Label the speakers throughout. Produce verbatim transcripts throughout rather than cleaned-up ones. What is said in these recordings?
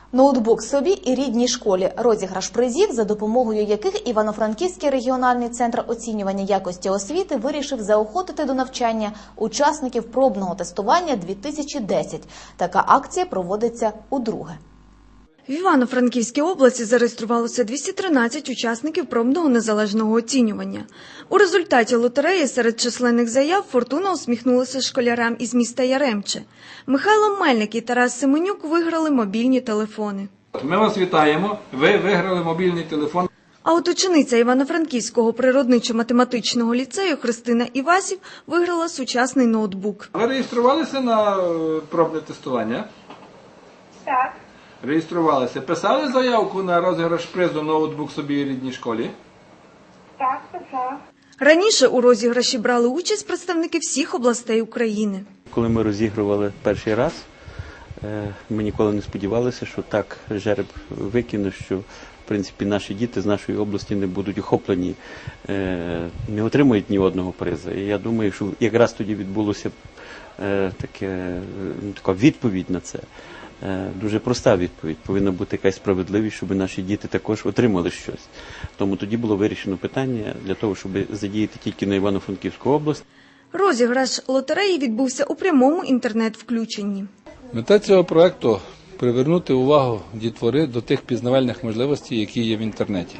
Speaker 1: Ноутбук собі і рідній школі. Розіграш призів, за допомогою яких Івано-Франківський регіональний центр оцінювання якості освіти вирішив заохотити до навчання учасників пробного тестування дві тисячі десять. Така акція проводиться удруге.
Speaker 2: В Івано-Франківській області зареєструвалося двісті тринадцять учасників пробного незалежного оцінювання. У результаті лотереї серед численних заяв фортуна усміхнулася школярам із міста Яремче. Михайло Мельник і Тарас Семенюк виграли мобільні телефони.
Speaker 3: Ми вас вітаємо, ви виграли мобільний телефон.
Speaker 2: А от учениця Івано-Франківського природничо-математичного ліцею Христина Івасів виграла сучасний ноутбук.
Speaker 3: Ви реєструвалися на пробне тестування?
Speaker 4: Так.
Speaker 3: Реєструвалися. Писали заявку на розіграш призу ноутбук собі і рідній школі?
Speaker 4: Так, писала.
Speaker 2: Раніше у розіграші брали участь представники всіх областей України.
Speaker 5: Коли ми розігрували перший раз, ми ніколи не сподівалися, що так жереб викине, що в принципі наші діти з нашої області не будуть охоплені, не отримують ні одного призу. І я думаю, що якраз тоді відбулося таке, така відповідь на це. Дуже проста відповідь. Повинна бути якась справедливість, щоб наші діти також отримали щось. Тому тоді було вирішено питання для того, щоб задіяти тільки на Івано-Франківську область.
Speaker 2: Розіграш лотереї відбувся у прямому інтернет-включенні.
Speaker 6: Мета цього проєкту – привернути увагу дітвори до тих пізнавальних можливостей, які є в інтернеті.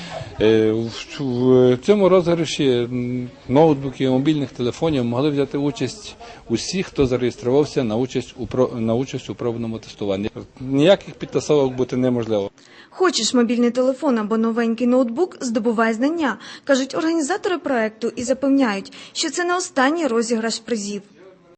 Speaker 6: В цьому розіграші ноутбуків і мобільних телефонів могли взяти участь усі, хто зареєструвався на участь у, на участь у пробному тестуванні. Ніяких підтасовок бути неможливо.
Speaker 2: Хочеш мобільний телефон або новенький ноутбук – здобувай знання, кажуть організатори проєкту і запевняють, що це не останній розіграш призів.